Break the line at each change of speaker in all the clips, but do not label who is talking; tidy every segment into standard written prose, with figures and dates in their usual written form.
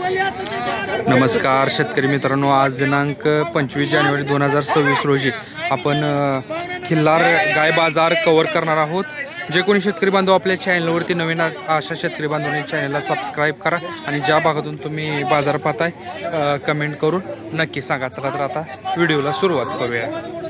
नमस्कार शेतकरी मित्रांनो, आज दिनांक 25 जानेवारी 2026 रोजी आपण खिल्लार गाय बाजार कव्हर करणार आहोत. जे कोणी शेतकरी बांधव आपल्या चॅनलवरती नवीन अशा शेतकरी बांधवांनी चॅनलला सबस्क्राईब करा आणि ज्या भागातून तुम्ही बाजार पाहताय कमेंट करून नक्की सांगा. चला तर आता व्हिडिओला सुरुवात करूया.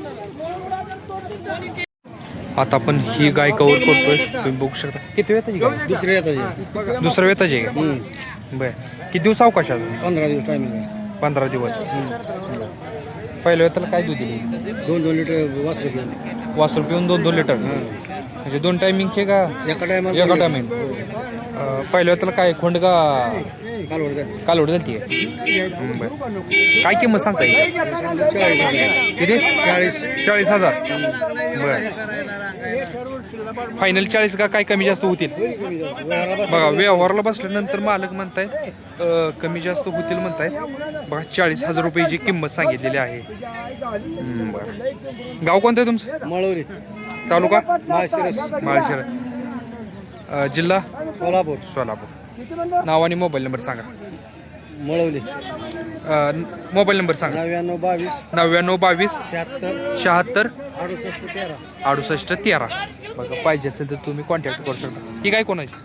आता आपण ही गाय कव्हर करतोय, तुम्ही बघू शकता. किती वेताची गाय? दुसऱ्या वेताची आहे का? बर. किती दिवस अवकाशात?
15 दिवस टायमिंग आहे.
15 दिवस. पहिल्या वेताला काय दूध दिली?
2-2 लिटर
वासरू पिऊन 2-2 लिटर. म्हणजे 2 टायमिंगचे का
एका टायमाला?
एका टायमिंग. पहिल्या वेताला काय खोंड का कालवड झाली? बरं. काय किंमत सांगता येईल? किती? 40,000. बरं. फायनल 40 का काय कमी जास्त होतील? बघा, व्यवहारला बसल्यानंतर मालक म्हणतायत कमी जास्त होतील म्हणतायत. बघा, 40,000 रुपयाची किंमत सांगितलेली आहे. बरं. गाव कोणतं आहे तुमचं?
मळवरी
तालुका?
माळशिरस.
माळशिरस. जिल्हा?
सोलापूर.
सोलापूर. नाव आणि मोबाईल नंबर सांगा.
मळवली.
मोबाईल नंबर सांगा.
99-22
99-22
76
76
68 13.
68 13. बघा, पाहिजे असेल तर तुम्ही कॉन्टॅक्ट करू शकता. ही काय कोणाची?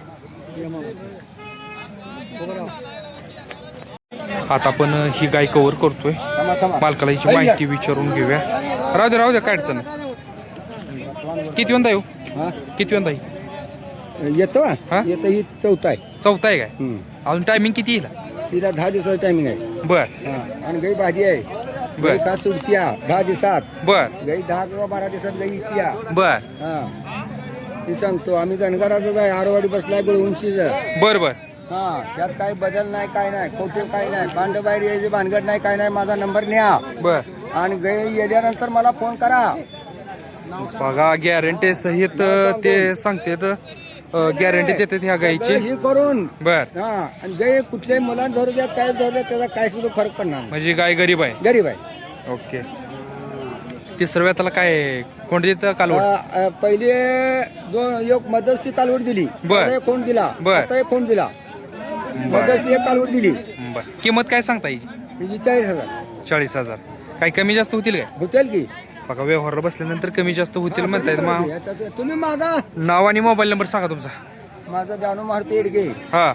आता आपण ही गाय कव्हर करतोय. मालकाला हिची माहिती विचारून घेऊया. राहू द्या काय अडचण नाही. किती वंदा येऊ? किती वंदा येईल?
येतो
हा?
येतो. ही चौथा आहे.
चौथा आहे काय? अजून टायमिंग किती येईल?
तिला 10 दिवसाचं टायमिंग आहे.
बर
आणि गाई भाजी आहे.
बर.
गाई का सुटत्या 10 दिवसात.
बर
गाई 10 किंवा 12 दिवसात गाई इत्या.
बर
ती सांगतो आम्ही धनगराचाच आहे. आरवाडी बसलाय गुळवंशीचं.
बर बर.
त्यात काही बदल नाही, काय नाही, खोटे काय नाही, भांड बाहेर यायची भानगड नाही, काय नाही. माझा नंबर न्या
बर.
आणि गाई येल्यानंतर मला फोन करा.
बघा, गॅरंटी सहित ते सांगतेत. गॅरंटी देतात ह्या गायची.
हे करून
बर.
आणि गाई कुठल्याही मुलांना धरू द्या, काय धरू द्या, त्याचा काय सुद्धा फरक पडणार नाही.
म्हणजे गाय गरीब आहे.
गरीब आहे.
ओके. तिसऱ्या वेताला काय कोण देतं? कालवड.
पहिले एक मध्यस्थी कालवड दिली.
बर.
आता एक कोण दिला.
बर.
आता एक कोण दिला.
बर
मध्यस्थी एक कालवड दिली.
बर. किंमत काय सांगता हिची?
हिची 40,000
40,000. काही कमी जास्त होतील काय?
होतील की?
बघा, व्यवहार बसल्यानंतर कमी जास्त होतील म्हणतायत.
तुम्ही मागा.
नाव आणि मोबाईल नंबर सांगा तुमचा.
माझा जानू मारुती येडगे.
हा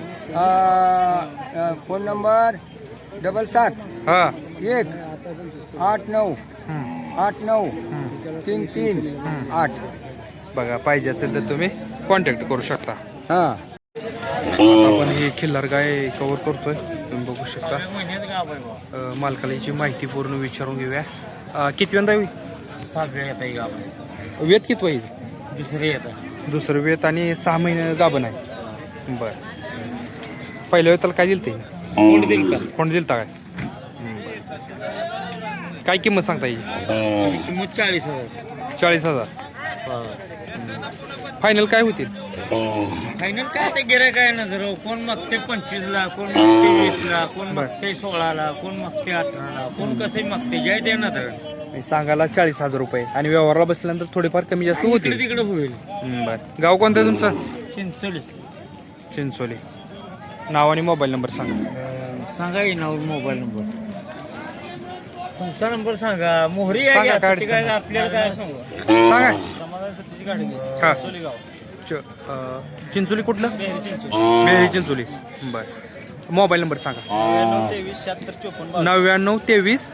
फोन नंबर 77
हा
1 89 89 33 8.
बघा, पाहिजे असेल तर तुम्ही कॉन्टॅक्ट करू शकता.
हा.
आपण ही खिल्लार गाय कव्हर करतोय, तुम्ही बघू शकता. मालकाला याची माहिती पूर्ण विचारून घेऊया. किती वेळ होईल?
7 वेळ येत.
वेत किती होईल?
दुसरे येत.
दुसरं वेत आणि 6 महिने गाभण आहे. बर. पहिल्या वेताला काय दिलं ते? कोण दिलं काय? काय किंमत सांगता येईल?
किंमत 40,000.
40,000. फायनल काय होतील?
फायनल काय ते गिराय काय ना जर कोण मागते 25ला, कोण मागते 20ला, कोण मागते 16ला, कोण मागते 18ला, कोण कसे मागते जय दे ना. तर
सांगायला 40,000 रुपये आणि व्यवहारला बसल्यानंतर थोडेफार कमी जास्त होतील.
तिकडे होईल.
बर. गाव कोणतं आहे तुमचं?
चिंचोली.
चिंचोली. नाव आणि मोबाईल नंबर सांगा.
सांगा येईल नाव मोबाईल नंबर. तुमचा नंबर सांगा. मोहरी
सांगा,
आहे
काय
का? काय
अडचण
आपल्याला काय सांगू?
सांगा.
समाधान सत्तीची गाडी.
हा.
चिंचोली गाव.
चिंचोली कुठलं?
चिंचोली.
मेहरी चिंचोली. बर. मोबाईल नंबर सांगा. 99 23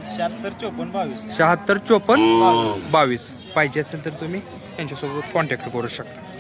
76 54 22. पाहिजे असेल तर तुम्ही त्यांच्यासोबत कॉन्टॅक्ट करू शकता.